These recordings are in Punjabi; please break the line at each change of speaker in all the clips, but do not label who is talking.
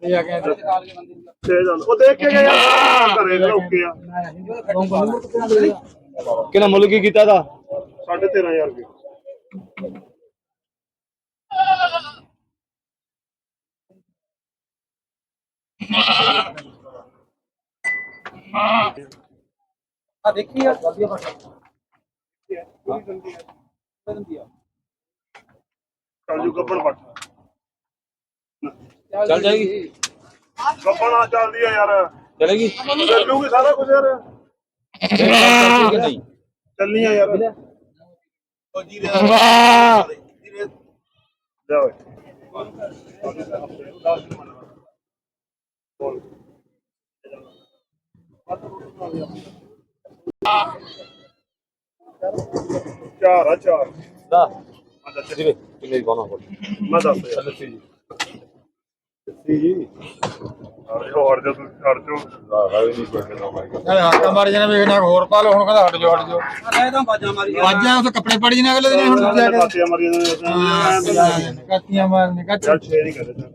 ਉਹ ਦੇਖ ਕੇ ਗਿਆ ਘਰੇ ਓਕੇ ਆ
ਕਿੰਨਾ ਮੁੱਲ ਕੀ ਕੀਤਾ ਦਾ
13,500 ਰੁਪਏ
ਆ ਦੇਖੀ ਆ ਜਲਦੀ ਆ
ਚੱਲ ਜੂ ਗੱਬਣ ਪੱਟ
ਚੱਲ ਜਾਏਗੀ
ਗੱਬਣ ਆ ਚੱਲਦੀ ਆ ਯਾਰ
ਚਲੇਗੀ
ਚੱਲੂਗੀ ਸਾਰਾ ਕੁਝ ਯਾਰ
ਨਹੀਂ
ਚੱਲਣੀ ਆ ਯਾਰ
ਜੀਰੇ
ਜਾ ਓਏ ਬੋਲ ਚਾਰ ਆ ਚਾਰ
ਦਾ ਜੀਰੇ ਕਿੰਨੇ ਦੀ ਬਾਨਾ ਕੋਲ
ਮੈਂ ਦੱਸ ਯਾਰ
ਜੀ
ਹੋਰ ਜਦ ਛੱਡ ਚੋ
ਹੱਥਾਂ ਮਾਰ ਜਾਣਾ ਵੇਖਣਾ ਹੋਰ ਪਾ ਲਓ ਹੁਣ ਕਹਿੰਦਾ ਹਟ ਜਾਓ ਇਹ ਤਾਂ ਬਾਜਾਂ ਮਾਰੀ ਬਾਜਾਂ ਉਸ ਕੱਪੜੇ ਪੜੀ ਨੇ ਅਗਲੇ ਦਿਨ ਹੁਣ
ਕਾਤੀਆਂ ਮਰੀ ਜਾਂਦੇ
ਕੱਤੀਆਂ ਮਾਰਨੇ ਕੱਚ
ਚੱਲ ਛੇ ਨਹੀਂ ਕਰੇ ਚੱਲ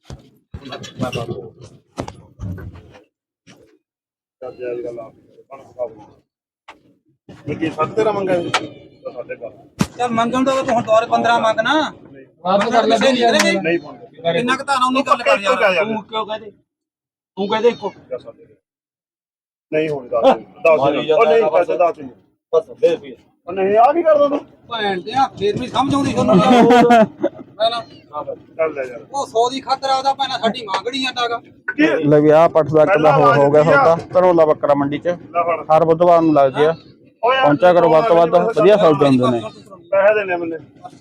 ਜਾ ਗੱਲ ਆ ਬਣ ਖਾਓ ਮੈਂ ਕੀ 13.5 ਮੰਗਾ ਸਾਡੇ ਘਰ
ਚੱਲ ਮੰਗਣ ਦਾ ਤੂੰ ਹੁਣ ਦੌਰ 15 ਮੰਗਣਾ ਆਪ ਕਰ ਲੈ
ਨਹੀਂ ਪਾਉਂਦੇ
ਕਿੰਨਾ ਕੁ ਧਾਰਾ ਉਨੀ ਗੱਲ ਕਰ ਯਾਰ
ਤੂੰ ਕਿਉਂ ਕਹਦੇ ਤੂੰ ਕਹਦੇ ਇੱਕੋ
ਨਹੀਂ ਹੁਣ 10 ਉਹ ਨਹੀਂ ਪੈਸੇ 10
ਬਸ ਦੇ ਰੁਪਏ
ਉਹ ਨਹੀਂ ਆ ਕੀ ਕਰਦਾ ਤੂੰ
ਭੈਣ ਤੇ ਆ ਫੇਰ ਵੀ ਸਮਝ ਆਉਂਦੀ ਤੁਹਾਨੂੰ ਪਹਿਲਾਂ
ਚੱਲ ਲੈ ਯਾਰ
ਉਹ 100 ਦੀ ਖਾਤਰ ਆਦਾ ਭੈਣਾ ਸਾਡੀ ਮੰਗੜੀ ਆਂਦਾਗਾ
ਲੈ ਵੀ ਆਹ ਪੱਠ ਦਾ ਕਿੱਲਾ ਹੋ ਗਿਆ ਸੌਦਾ ਧਰੋਲਾ ਬੱਕਰਾ ਮੰਡੀ ਚ ਹਰ ਬੁੱਧਵਾਰ ਨੂੰ ਲੱਗਦੀ ਆ ਪਹੁੰਚਿਆ ਕਰੋ ਵੱਧ ਤੋਂ ਵੱਧ ਵਧੀਆ ਸੌਦੇ ਹੁੰਦੇ ਨੇ
ਪੈਸੇ ਦੇਣੇ ਮੈਨੇ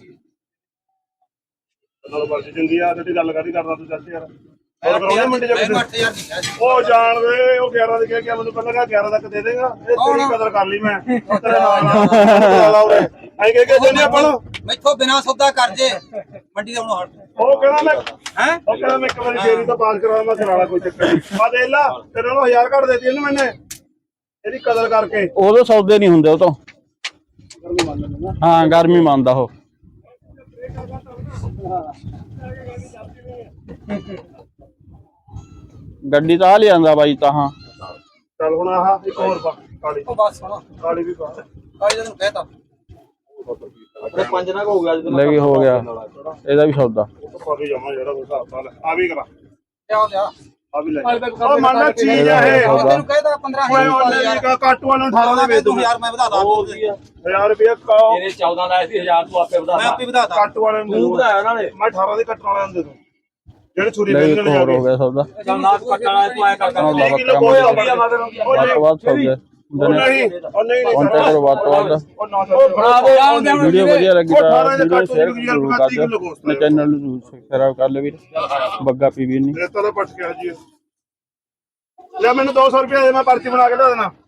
ਨਾਲ ਬਾਜੀ ਚੰਗੀ ਆ ਜਿਹੜੀ ਗੱਲ ਕਰਦੀ ਕਰਦਾ ਤੂੰ ਚੱਲ ਯਾਰ ਹੋਰ ਕਰੋਗੇ ਮੰਡੀ ਚ ਕੁਛ?
8000 ਦੀ ਹੈ
ਉਹ ਜਾਣ ਵੇ ਉਹ 11 ਦੇ ਕਿਹਾ ਮੈਨੂੰ ਪਹਿਲਾਂ ਕਿਹਾ 11 ਤੱਕ ਦੇ ਦੇਗਾ ਇਹ ਤੇਰੀ ਕਦਰ ਕਰ ਲਈ ਮੈਂ ਤੇਰੇ ਨਾਲ ਆਉਰੇ ਐਂ ਕਹਿ ਕੇ ਜੰਨੇ ਆਪਾਂ ਨੂੰ
ਮੈਥੋਂ ਬਿਨਾ ਸੌਦਾ ਕਰ ਜੇ ਮੰਡੀ ਦਾ ਹੁਣ ਹਟ
ਉਹ ਕਹਿੰਦਾ ਮੈਂ
ਹੈ
ਉਹ ਕਹਿੰਦਾ ਮੈਂ ਇੱਕ ਵਾਰੀ ਫੇਰੀ ਤਾਂ ਪਾਸ ਕਰਾਉਣਾ ਮੈਂ ਕਰਾਣਾ ਕੋਈ ਚੱਕਰ ਨਹੀਂ ਆ ਦੇ ਲਾ ਤੇਰੇ ਨੂੰ 1000 ਘੱਟ ਦੇਤੀ ਇਹਨੂੰ ਮੈਨੇ ਇਹਦੀ ਕਦਰ ਕਰਕੇ
ਉਦੋਂ ਸੌਦੇ ਨਹੀਂ ਹੁੰਦੇ ਉਹ ਤੋਂ ਹਾਂ ਗਰਮੀ ਮੰਨਦਾ ਉਹ ਗੱਡੀ ਤਾਂ ਆ ਲਿਆਂਦਾ ਬਾਈ ਤਾਂ ਹਾਂ
ਚੱਲ ਹੁਣ ਆਹ ਇੱਕ ਹੋਰ ਪਾ ਕਾਲੀ
ਉਹ ਬਸ ਸੁਣੋ
ਕਾਲੀ ਵੀ ਪਾ
ਕਾਲੀ ਤੈਨੂੰ ਕਹਿਤਾ
ਆਪਣੇ 5 ਨਾ ਹੋ ਗਿਆ
ਲੈ ਵੀ ਹੋ ਗਿਆ ਇਹਦਾ ਵੀ ਸੌਦਾ
ਉਹ ਪਾ ਕੇ ਜਾਵਾਂ ਜਿਹੜਾ ਕੋਈ ਹਿਸਾਬ ਨਾਲ ਆ ਵੀ ਕਰਾ
ਲਿਆ
ਆ ਵੀ ਲੈ ਉਹ ਮੰਨਦਾ ਚੀਜ਼ ਆ ਇਹ
ਉਹ ਤੈਨੂੰ ਕਹਿਤਾ 15000 ਯਾਰ
ਕੱਟ ਵਾਲਾ 18 ਦੇ ਵੇਚ ਦੂੰ
ਯਾਰ ਮੈਂ ਵਧਾ ਦਾਂ
1000 ਰੁਪਏ ਕਾਓ
ਤੇਰੇ 14 ਲਾਇਆ ਸੀ 1000 ਤੂੰ ਆਪੇ ਵਧਾ
ਮੈਂ ਆਪੇ ਵਧਾ ਦਾਂ
ਕੱਟ ਵਾਲੇ ਨੂੰ
ਤੂੰ ਵਧਾਇਆ ਉਹਨਾਂ ਨੇ
ਮੈਂ 18 ਦੇ ਕੱਟਣ ਵਾਲਿਆਂ ਨੂੰ ਦੇ ਦੂੰ ਜਿਹੜੇ ਛੁਰੀ
ਲੈ ਵੀ
ਵੇਚਣ
ਇੱਕ ਹੋਰ ਹੋ
ਜਾਗੇ
ਗਿਆ ਸੌਦਾ
ਚੱਲ ਨਾ ਕੱਟਣ ਵਾਲਾ ਤੂੰ ਐ ਕਰ
ਧਰੋਲਾ ਬੱਕਰਾ
ਕੋਈ
ਮੰਡੀ
ਆ
ਵੱਧ ਤੋਂ ਵੱਧ ਸੌਦੇ ਹੁੰਦੇ ਨੇ
ਨਹੀਂ ਉਹ ਨਹੀਂ
ਪਹੁੰਚਿਆ ਕਰੋ ਵੱਧ ਤੋਂ ਵੱਧ
ਉਹ ਨਾ
ਬਣਾ ਦੇ
ਵੀਡੀਓ ਵਧੀਆ ਲੱਗੀ ਤਾਂ
18 ਦੇ
ਵੀਡੀਓ
ਕੱਟ
ਸ਼ੇਅਰ
ਦੀ
ਜ਼ਰੂਰ ਕਰ ਦਿਓ ਆਪਣੇ ਚੈਨਲ ਨੂੰ ਸਬਸਕ੍ਰਾਈਬ ਕਰ ਲਿਓ ਵੀਰ ਬੱਗਾ ਪੀਵੀ ਨਹੀਂ
ਰੇਤਾ ਦਾ ਪਟ ਗਿਆ ਜੀ ਲੈ ਮੈਨੂੰ 200 ਰੁਪਏ ਦੇ ਮੈਂ ਪਰਚੀ ਬਣਾ ਕੇ ਦੇ ਦੇਣਾ